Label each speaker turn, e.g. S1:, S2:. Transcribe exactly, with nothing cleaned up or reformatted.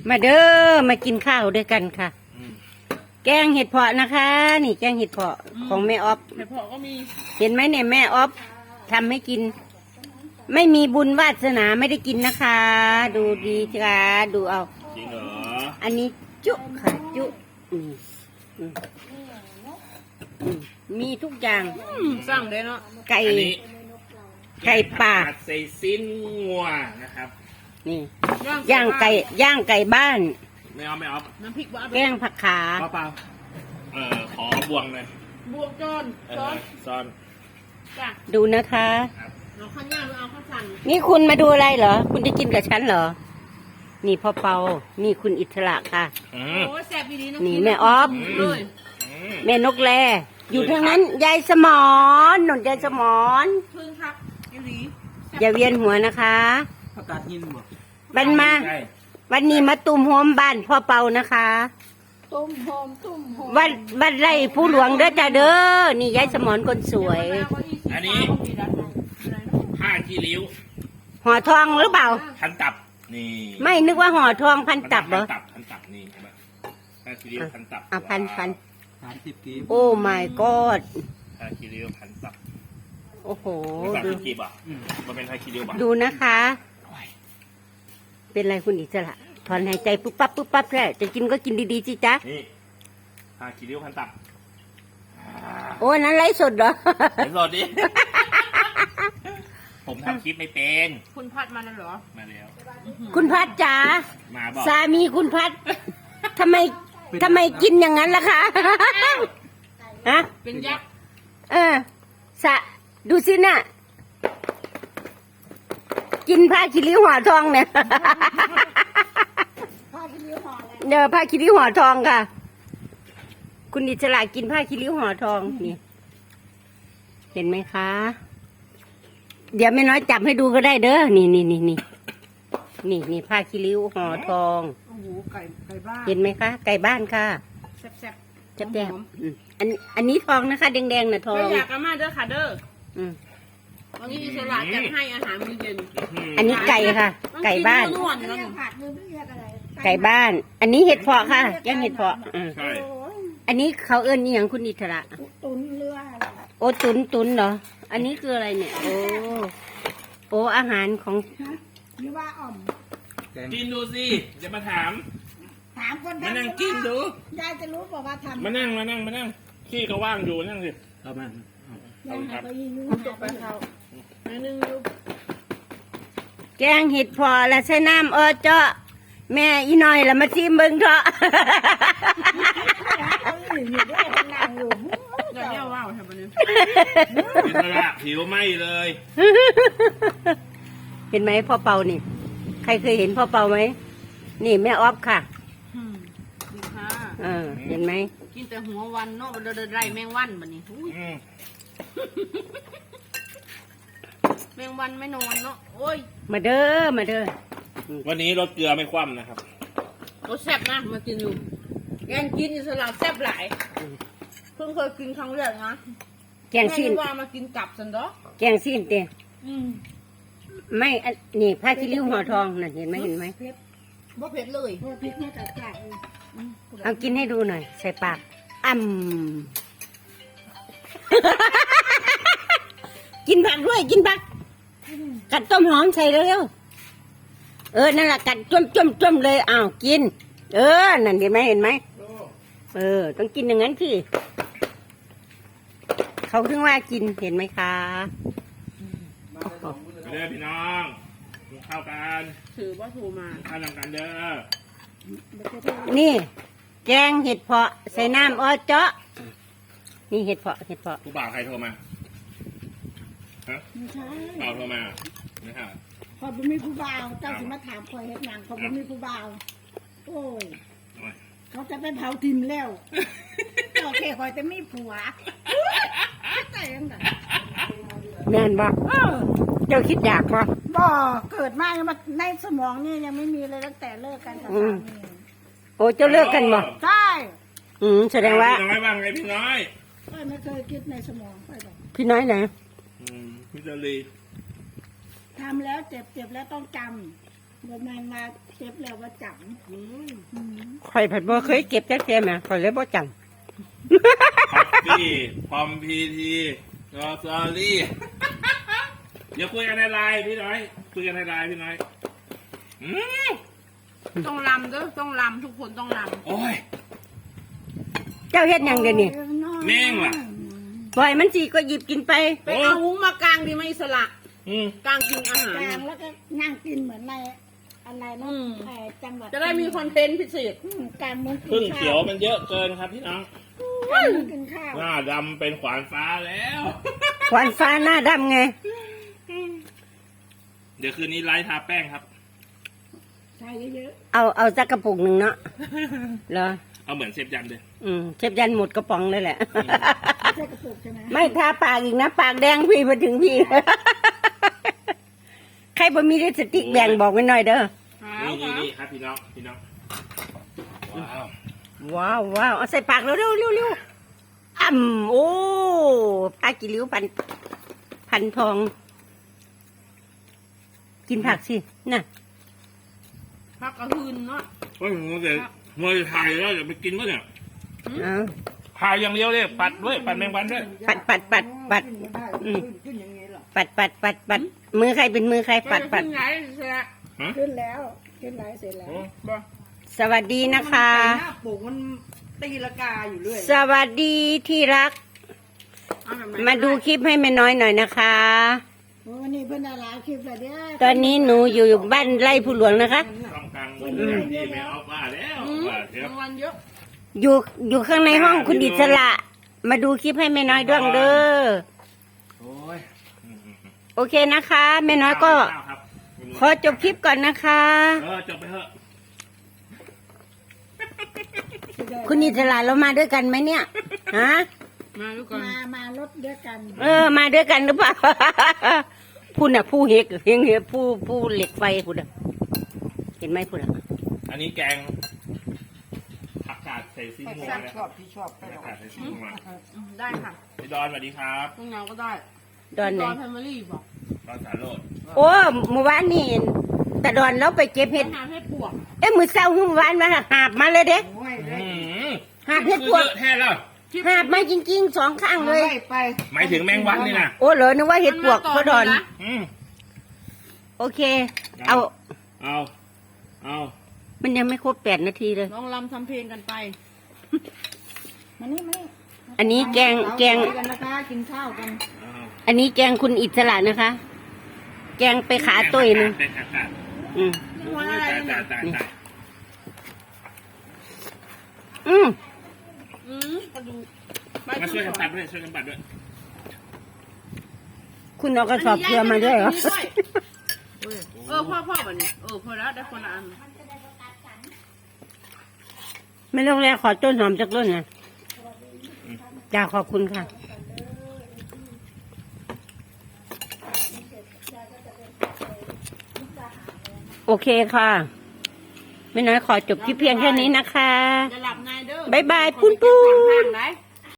S1: มาเด้อมากินข้าวด้วยกันค่ะแกงเห็ดเพาะนะคะ นี่แกงเห็ดเพาะของแม่ออฟ
S2: เห็ดเพาะก็มี
S1: เห็นไหมเนี่ยแม่ออฟทำให้กิน ไม่มีบุญวาสนาไม่ได้กินนะคะ ดูดีค่ะดูเอา
S3: จริงเหรอ
S1: อันนี้จุค่ะจุอืมอืมอืมมีทุกอย่าง
S2: สั่งได้เนาะ
S1: ไก่ไก่ป่า
S3: ใส่สิ้นงัวนะครับ
S1: นี่ย่างไก่ย่างไก่บ้าน
S3: ไม่เอาไม่เอา
S2: น้ำพริกว่า
S1: แกงผักขา
S3: เปล่าเออขอบวงเลย
S2: บวงจอนซ้อน
S3: ซ้อน
S2: จ้ะ
S1: ดูนะคะ
S2: เอาข้าวย่างหรือเอาข้าวสั่ง
S1: นี่คุณมาดูอะไรเหรอคุณจะกินกับฉันเหรอนี่พ่อเปานี่คุณอิสระค่ะ
S2: โอ้แซ่บดีนะ
S1: นี่แม่ออฟ
S2: เลย
S1: แม่นกแลอยู่ทางนั้นยายสมอนหนุนยายสมอน
S2: พึ่งครับ
S1: อย่าเวียนหัวนะคะ
S3: ผักกาดหินบ่
S1: บันมาวันนี้มาตุ่มโฮมบ้านพ่อเปานะคะ
S2: ตุ่มโฮมตุ่มโฮม
S1: วัดวัดไร่ผู้หลวงเด้อจ้าเด้อนี่ยายสมอนคนสวย
S3: อันนี้ผ้าขี้ริ้ว
S1: ห่อทองหรือเปล่า
S3: พันตับนี่
S1: ไม่นึกว่าห่อทองพันตับเหรอ
S3: พันตับนี่ใช่ไหมผ้าขี้ริ้วพันตับ
S1: อ่ะพันพัน
S3: สามสิบกีบ
S1: โอ้ my god
S3: ผ้าขี้ริ้วพันตับ
S1: โอ้โห
S3: ดูกีบอ่ะมันเป็นผ้าขี้ริ้วป่ะ
S1: ดูนะคะเป็นไรคุณอิสระถอนหายใจปุ๊บปั๊บปุ๊บปั๊บแค่จะกินก็กินดีๆสิจ๊ะ
S3: นี่ผ้าขี้ริ้วพันตับ
S1: โอ้นั้นไลฟ์สดเหรอ
S3: ไลฟ์สดดิผมทำคลิปไม่เป็น
S2: คุณพัดมาแล้วเหรอ
S3: มาแล้ว
S1: คุณพัดจ๋า
S3: มาบอก
S1: สามีคุณพัดทำไมทำไมกินอย่างนั้นล่ะคะฮะ
S2: เป็นยักษ์
S1: เออสะดูสิน่ะกินผ้าคีริ้วห่อทองเนี่ย
S2: ผ้าคีริ้วห่ออะไร
S1: เดี๋ยวผ้าคีริ้วห่อทองค่ะคุณอิสระกินผ้าคีริ้วห่อทองนี่เห็นไหมคะเดี๋ยวแม่น้อยจับให้ดูก็ได้เด้อนี่นี่นี่นี่นี่นี่ผ้าคีริ้วห่อทอง
S2: โอ้โหไก่ไก่บ้าน
S1: เห็นไหมคะไก่บ้านค่ะ
S2: แซ่บแซ่บ
S1: แซ่บแซ่บอันอันนี้ทองนะคะแดงๆน่ะทอง
S2: อยากกันมาเด้อค่ะเด้อวันนี้อิสระจะให้อาหารมื้อเย็น
S1: อันนี้ไก่ค่ะไก่บ้านไก่บ้านอันนี้เห็ดเพาะค่ะแกงเห็ดเพาะอันนี้เขาเอิ้นนี่อย่างคุณอิสระ
S2: ตุนเรือ
S1: โอ้ตุนตุนเหรออันนี้คืออะไรเนี่ยโอ้โอ้อาหารของ
S2: หรือว่าอ่อม
S3: กินดูสิจะมาถาม
S2: ถามคน
S3: มานั่งกินดู
S2: ยายจะรู้บอกว่าทำ
S3: มานั่งมานั่งมานั่งที่เขาว่างอยู่นั่งสิ
S2: เอามาเอาครับจบไปเขาอันนึงอยู่
S1: แกงเห็ดพอและใช้น้ำเออเจาะแม่อีน้อยละมาชิมเบิ่งเถอะ
S2: จะเลี้ยวว่าวทำไมเนี่ย
S3: อิสระผิวไหมเลย
S1: เห็นไหมพ่อเปานี่ใครเคยเห็นพ่อเปาไหมนี่แม่ออฟค่ะ
S2: ดีค่ะ
S1: เออเห็นไหม
S2: กินแต่หัววันเนาะเดินไร่แมงวันแบบนี้แมงวันไม่นอนเนาะโอ้ย
S1: มาเด้อมาเด้อ
S3: วันนี้รสเกลือไม่คว่ำนะครับ
S2: รสแซ่บนะมากินอยู่แกงกินอิสระแซ่บหลายเพิ่งเคยกินครั้งแรกนะ
S1: แกงซีน
S2: ว่ามากินกลับสันดอ
S1: แกงซีนเตี้ยไม่นี่ผ้าคีริ้วห่อทองน่ะเห็นไหมเห็นไหม
S2: บ่เผ็ดเลยเผ็ดแค่จัดจ้าน
S1: เอากินให้ดูหน่อยใส่ปากอ่ำกินผักด้วยกินผักกัดต้มหอมใส่เร็วๆเออนั่นแหละกัดจ้มจ้มจ้มเลยอ้าวกินเออนั่นเห็นไหมเห็นไหมเออต้องกินอย่างนั้นสิเขาถึงว่ากินเห็นไหมคะ
S3: เด้อพี่น้องเข้ากัน
S2: ถือว่าโทรมา
S3: ข้าวกันเด้
S1: อนี่แกงเห็ดเพาะใส่น้ำอ้อเจาะนี่เห็ดเพาะเห็ดเพาะ
S3: ผู้บ่าวใครโทรมาฮะ
S2: ไม่ใช่
S3: บ่าวโทรมานะครับ
S2: พอบ่มีผู้บ่าวเจ้าสิมาถามคอยเฮ็ดหนังพอบ่มีผู้บ่าวโอ้ยเขาจะไปเผาทิมแล้วโอเคคอยจะมีผัวใจยังไง
S1: แม่นบ่เจ้าคิดอยากบ่
S2: บ่เกิดมายังมาในสมองนี่ยังไม่มีเลยตั้งแต่เลิกกันกับสามี
S1: โอ้เจ้าเลิกกันบ่
S2: ใช่
S1: อืมแสดงว่า
S3: พี่น้อยบ้างไงพี่น้อย
S2: ไม่เคยคิดในสมองไปหรอก
S1: พี่น้อยไหน
S3: อืมพี่เจรี
S2: ทำแล้วเจ็บเจ็บแล้วต้องจเดี๋ยวมันมาเก็บแล้วว่าจัง
S3: อืม
S2: อืม
S1: ข่อยผัดบ่เคยเก็บจักเทียมอ่ะข่อยเลยบ่จ
S3: พักพี่พอมพีทีรอซอรี่ เดี๋ยวคุยกันในไลน์พี่น้อย คุยกันในไลน์พี่น้อย อืม
S4: ต้องลำเด้อต้องลำทุกคนต้องล
S3: โอ้ย
S1: ำเจ้าเฮ็ดหยังเดี๋ยวนี้
S3: แม่งว่ะ
S1: ปล่อยมันสิก็หยิบกินไป
S4: ำไปเอาหุงมากลางดีไหมอิสระ
S3: อืม
S4: กลางกินอาหาร
S2: กลางแล้วก็นั่งกินเหมือนในอะไรนะ
S4: อืม
S2: ไอ้จังหวัด
S4: จะได้มีคอนเทนต์พิเศษ
S2: อืมกลางมุ้งกิน
S3: พึ่ง
S2: ข้า
S3: เขียวมันเยอะเกินครับพี่น้อง
S2: กลางมุ้งกินข้าว
S3: หน้าดำเป็นขวานฟ้าแล้ว
S1: ขวานฟ้าหน้าดำไง
S3: เดี๋ยวคืนนี้ไลฟ์ทาแป้งครับ
S2: ใช้เยอะ
S1: เอาเอาสักกระปุกหนึ่งเนาะเหรอ
S3: เอาเหมือนเซฟยันเลย
S1: อืมเชฟยันหมดกระป๋องเลยแหละ
S2: ๆไม่ใช่กระปุกใช่ไหม
S1: ไม่ทาปากอีกนะ ปากแดงพี่มาถึงพี่ ใครบ่มีลิปสติกแบ่งบอกไว้หน่อยเด้อ
S3: นี่นี่นี่ครับพี่น้องพี่น้องว้าว
S1: ว้าวว้าวเอาใส่ปากเร็วเร็วเร็วเร็วอ่ำโอ้ปลากิริ้วพันพันทอง กินผักสิน่ะ
S4: พักกระหืนเนาะ
S3: เฮ้ยมัวแต่มัวแต่ถ่ายแล้วเดี๋ยวไปกินก็เนี่ย
S1: เอา
S3: ถ่ายอย่างเดียวเลยปัดด้วยปัดแมงวันด้วย
S1: ปัดปัดปัดปัดอืมปัดปัดปัดปัดมือใครเป็นมือใครปัดปัด
S4: ขึ้นไหนอิสระ
S3: ฮะ
S2: ขึ้นแล้วขึ้นไลฟ์เสร็จแล้ว
S3: โอ้
S4: บ่
S1: สวัสดีนะคะ
S5: หน้าปลูกมันตีละกาอยู่เรื่อย
S1: สวัสดีที่รัก
S4: เอาแบบไหน
S1: มาดูคลิปให้แม่น้อยหน่อยนะคะ
S2: โอ้นี่เพิ่นได้หลายคลิปแล้วเด้อ
S1: ตอนนี้หนูอยู่บ้านไร่ผู้หลวงนะคะ
S3: ต้องกลางวันแบบนี้ไม่เอาว่าแล้ว
S4: อืม
S3: ว่าเดี๋ยว
S4: รางวัลเยอะ
S1: อยู่อยู่ข้างในห้องคุณอิสระ มาดูคลิปให้แม่น้อยด้วยเด้อ
S3: โอ้ยอืมอืมอืม
S1: โอเคนะคะแม่น้อยก็
S3: ข้าวครับ
S1: ขอจบคลิปก่อนนะคะ
S3: เออจบไปเถอะ
S1: คุณอิสระเรามาด้วยกันไหมเนี่ยฮะ
S4: มาดูก่อน
S2: มามารถเดียวกัน
S1: เออ มาด้วยกันหรือเปล่า พูดน่ะผู้เฮกเฮงเฮผู้ผู้เหล็กไฟพูดน่ะเห็นไหมพูดน่ะ
S3: อันนี้แกงผักกาดใส่ซีอิ๊ว
S5: ช
S3: นะค
S5: อ
S3: รั
S5: บบ พี่ชอบไป
S3: ผักกาดใส่ซีอิ๊วมา
S4: อืมได้ค่ะ
S3: พี่ดอนสวัสดีครับ
S4: ตรงเงาก็ได้
S1: ดอนไหน
S4: ดอนแฟมิลี่บอก
S3: ดอนสาโรด
S1: โอ้เมื่อวานนี่แต่ดอนเราไปเก็บเห็ด
S4: หาให้ปวก
S1: เอ้มือเศร้าเมื่อวานมาหาบมาเลยเด้
S5: โอ้ยเล
S3: อื
S5: ย
S3: ม
S1: หาบเห็ดปวก
S3: เยอะแท้แล้ว
S1: หาบมาจริงๆสองข้างเลย
S5: ไปไป
S3: หมายถึงแมงวันนี่นะ
S1: โอ้เหรอนึกว่าเห็ดปวกเพราะดอน
S3: อืม
S1: โอเค เอา
S3: เอาเอา
S1: มันยังไม่ครบแปดนาทีเลย
S4: ลองลำทำเพลงกันไป
S2: มานี่มานี่
S1: อันนี้แกงแกง
S5: กันนะคะกินข้าวกัน
S3: เอา
S1: อันนี้แกงคุณอิสระนะคะ แกงไปขาตุ้ยหนึง
S3: แกงผักกาด
S1: อืม
S4: นี่วันอะไร
S3: ตาย
S4: เนี่
S3: ตาย ยตายตาย
S1: อืม
S4: อืมกระดูกใบ
S3: มาช่วยกัน
S4: ตั
S3: ปัดด้วยช่วยกันปัดด้วย
S1: คุณเอากระสอบเกลือมาด้วยเหรอ
S4: เออพ่อพ่อแบบนี้เออพอแล้วได้คนละอัน
S1: ไม่ต้องแลขอต้นหอมจากต้นนะจ้าขอบคุณค่ะ โอเคค่ะไม่น้อยขอจบคลิปเพียงแค่นี้นะคะ
S4: จะหลับในเด้อ
S1: บ๊ายบายปุ้นปุ้น
S4: ข้างๆไหน